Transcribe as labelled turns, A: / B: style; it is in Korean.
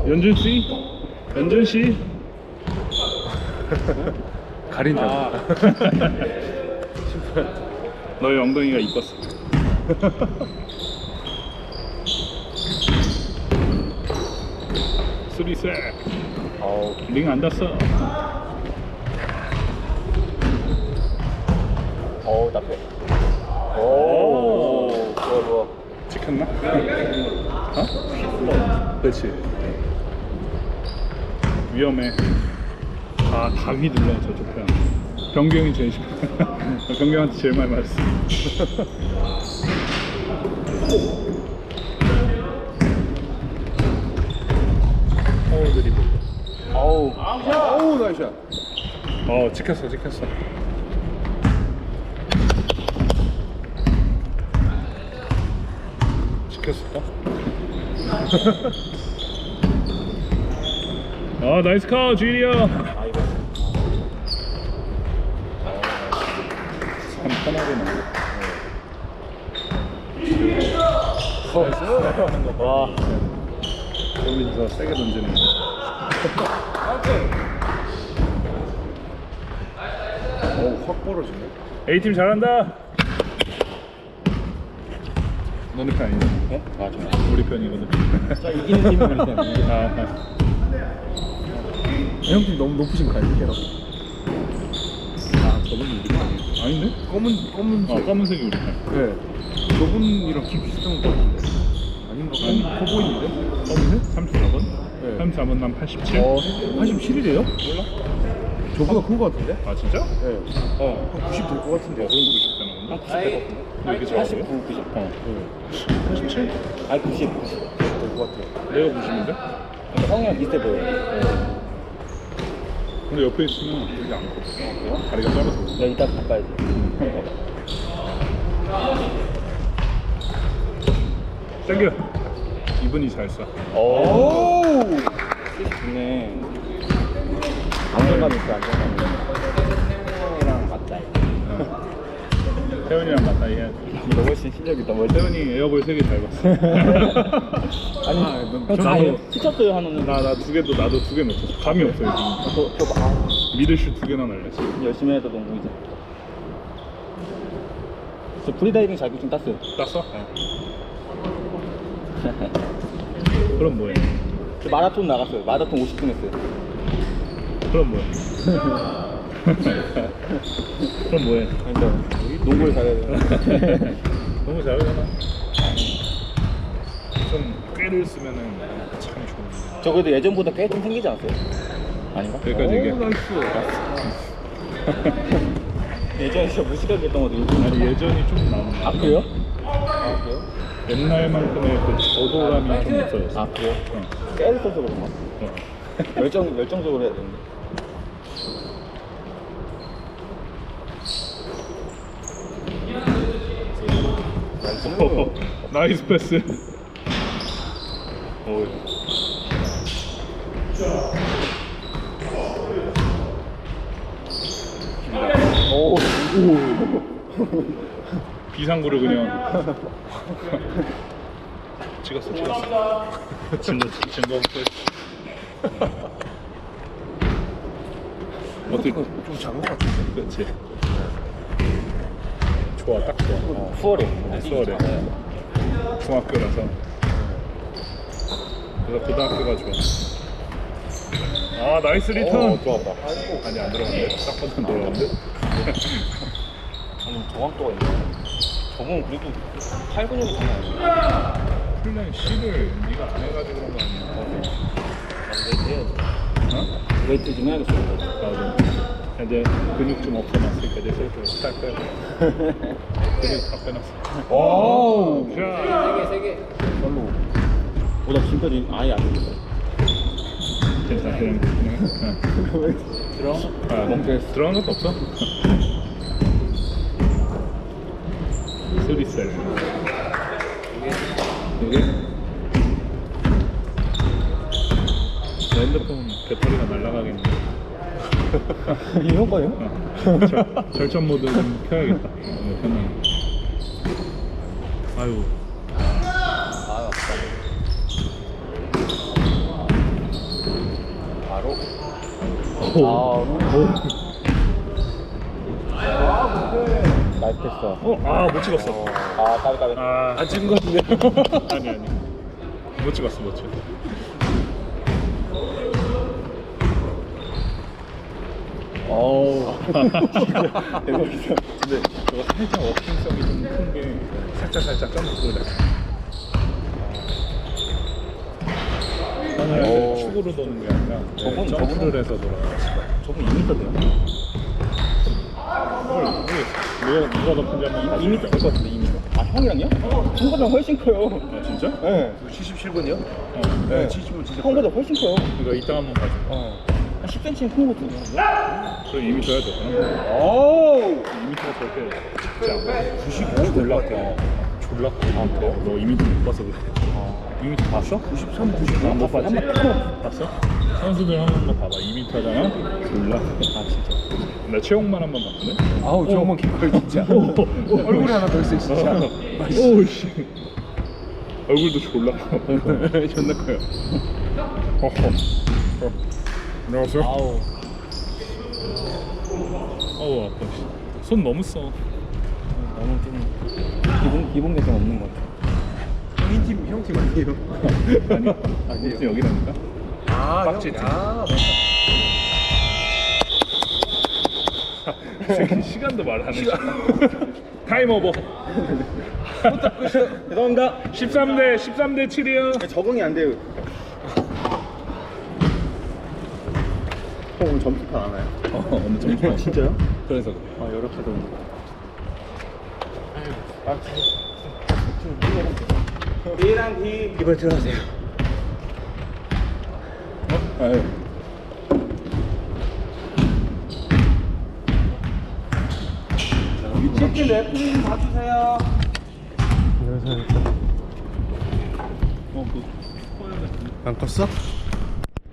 A: 연준 씨? 연준 씨?
B: 가린다.
A: 너의 엉덩이가 이뻤어. 쓰리셋. 링 안 닿았어.
B: 나쁘. 오, 좋아.
A: 찍혔나? 어? 그렇지. 위험해. 다 휘둘러 저쪽 편. 변경이 제일 싫어. 변경한테 제일 많이 맞았어. 드리블.
B: 어우, 나이스.
A: 찍혔어. 찍혔을까? 나이스 카, 주일이야. 참 편하게 나네.
B: 나이스. 와.
A: 여기서 세게 던지는.
B: 확 벌어지네.
A: A팀 잘한다. 너네 편 아니냐?
B: 네? 맞아.
A: 우리 편이거든.
B: 이기는 팀이 우리 팀. 형팀 너무 높으신 거 아니에요?
A: 저분이 우리 편 아니야? 아닌데?
B: 검은색.
A: 검은색이 우리 편.
B: 네. 저분이랑 키 비슷한 거 같은데. 아닌가? 커 보이는데?
A: 검은색? 34번?
B: 네.
A: 34번 난 87?
B: 87이래요? 몰라. 저보다 큰 거 같은데?
A: 아 진짜?
B: 네. 한 90 될 것 같은데.
A: 그런 거 90 되는 건가?
B: 90 될 것 같은데.
A: 이렇게 작아요?
B: 90.
A: 87?
B: 아니 90 될 것 같아.
A: 내가 90인데?
B: 형이랑 비슷해 보여요.
A: 근데 옆에 있으면 되게 안 커. 다리가 짧아서.
B: 나 이따 바꿔야지.
A: 땡겨. 이분이 잘 쏴.
B: 오! 좋네. 안정감 있어, 안정감. 형이랑 맞다.
A: 태훈이랑 맞다이 해야 돼.
B: 너 훨씬 실력이 더 멀리.
A: 태훈이 에어볼 3개 잘 봤어.
B: 아니, 형다 치쳤어요, 하나는.
A: 나 2개도 나도 2개 놓쳤어. 감이 없어 요즘.
B: 저 봐.
A: 미드슛 2개나 날렸어.
B: 열심히 해도 농구이죠. 저 프리다이빙 자격증 땄어요.
A: 땄어? 그럼 뭐해?
B: 저 마라톤 나갔어요. 마라톤 50분 했어요.
A: 그럼 뭐해? 그럼 뭐해?
B: 그러니까 농구를 잘해야 돼요.
A: 너무 잘하잖아. 좀 꾀를 쓰면은 참 좋은데.
B: 저 그래도 예전보다 꽤 좀 생기지 않았어요? 아닌가?
A: 여기까지 얘기해.
B: 예전에 진짜 무식하게 했던 것도 요즘
A: 아니 예전이 좀 나은.
B: 아 그래요? 아 그래요?
A: 옛날만큼의 그 저도감이 좀 없어졌어.
B: 아 그래요?
A: 어.
B: 깨를 써서 그런가?
A: 어.
B: 열정적으로 해야 되는데.
A: 나이스 패스.
B: 오.
A: 비상구를 그냥 찍었어. 증거 어떻게
B: 좀 작은 것 같은데.
A: 그렇지. 좋아, 딱 좋아.
B: 수월해.
A: 수월해. 중학교라서. 그래서 고등학교가 좋아. 나이스 리턴.
B: 좋았다.
A: 아니 안 들어갔네. 딱 봐도 안 들어갔는데.
B: 아니 정확도가 있네. 저건 그래도 팔 근육이 장난 아니야.
A: 플랜 C를 네가 안 해가지고 그런 거 아니야?
B: 웨이트 해야지.
A: 어?
B: 웨이트 좀 해야겠어.
A: 나도. 이제 근육 좀 없어놨으니까 이제 슬슬 살 빼고. 근육 다 빼놨어.
B: 오.
A: 자.
B: 세 개. 별로. 보다 지금까지 아예 안 됐어.
A: 괜찮아. 그냥.
B: 들어?
A: 멍청했어. 들어간 것도 없어? 소리셀. 여기? 내 핸드폰 배터리가 날아가겠네.
B: 이게 형 거예요?
A: 절전 모드 좀 켜야겠다. 편하게. 아유.
B: 아, 맞다. 나이스 패스.
A: 못 찍었어.
B: 까비.
A: 안 찍은 거 같은데. 아니. 못 찍었어. 대박이다. 근데 저거 살짝 워킹성이 좀 큰 게 살짝 점프를 해. 저는 축으로 도는 게 아니라 점프를 해서 돌아가요.
B: 저분 2m대요?
A: 누가 더 큰지 한번
B: 2m 될 것 같은데 2m. 아 형이랑요? 형보다 훨씬 커요.
A: 아 진짜?
B: 네.
C: 77번이요?
B: 네.
C: 70번 진짜
B: 형보다 훨씬 커요.
A: 그러니까 이따 한번 가자.
B: 한 10cm 큰 것 같은데.
A: 그럼 2m 해야 되구나.
B: 오.
A: 2m가 절대 작지 않아. 95 졸라 커. 졸라 커. 너 2m 못 봐서 그래. 2m 봤어?
C: 93, 99.
A: 못 봤지? 봤어? 선수들 한 번만 봐봐. 2m잖아? 졸라 커.
B: 아 진짜.
A: 나 체육만 한 번 봤거든?
C: 아우 저만 개꿀 진짜. 얼굴에 하나 더 있어 진짜.
A: 오우씨. 얼굴도 졸라 커.
C: 존나 커요.
A: 안녕하세요.
B: 아우.
A: 어우 아파. 손 너무 써.
B: 너무 좀 기본 개성 없는 것 같아.
C: 형팀 아니에요?
A: 아니에요. 여기라니까?
C: 아
A: 빡치지.
C: 맞다.
A: 이 새끼 시간도 말하네. 타임 오버.
B: 죄송합니다.
A: 13대 7이요.
B: 적응이 안 돼요. 형 오늘 점수판 안 와요?
A: 엄청 좋아.
B: 진짜요?
A: 그래서
B: 아 이렇게도. B랑 B 이번에 들어가세요.
A: 아유.
B: 위치 레프리 좀 봐주세요.
C: 안 껐어?